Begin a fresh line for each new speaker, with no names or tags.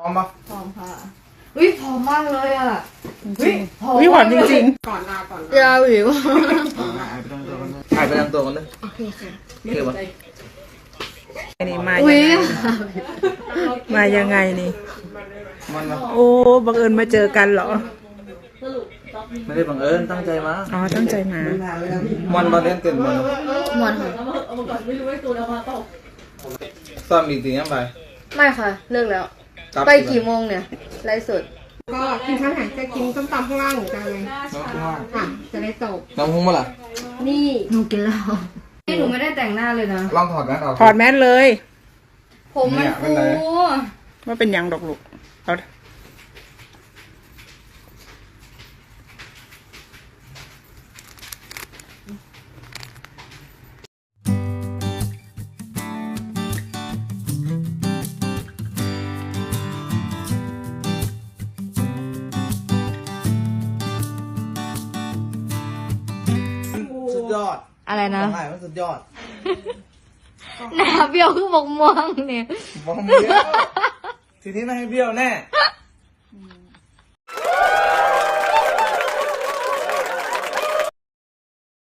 อมปะ
พร้อมค่ะอุ้ยพร้อมมากเลยอ่ะอุ้ยพร้อม
วิหวานจริง
ก่อนลาก่อน
ยาวอยู่
ถ่ายไปตั้งตัวกันเลย
โอเคค่ะ
โอเคปะ
ๆนี่มา
อุ้ย
มายังไงนี่
มันมา
โอ้บังเอิญมาเจอกันเหรอ
ไม่ได้บังเอิญตั้งใจมา
อ๋อตั้งใจมา
มันมาเล่นเต็มมัน
หมอนค่ะ
ซ้อมอีกทียังไป
ไม่ค่ะ เลิกแล้ว
กลับ
ไปกี่โมงเนี่ยไลฟ์สด
ก็กินข้าวหางจะกินส้มตำข้างล่างเหมือนกันเลย
น้องว่า
ค่ะจะได้จบ
น้องหุ้มมาล่ะ
นี่
หนูกินแล้วนี่หนูไม่ได้แต่งหน้าเลยนะ
ลองถอดแมสออก
ถอดแมสเลย
ผมมัน
เนี่ยเป็
ฟู
นไร
ว่าเป็นยังดอกลูกเอา
สุดยอด
อะไรนะ
ถ่ายมันสุดยอด
หน้าเบี้ยวคือบอกม่วงเนี่ย
บอมเบี้ยวทีนี้ไม่ให้เบี้ยวแน่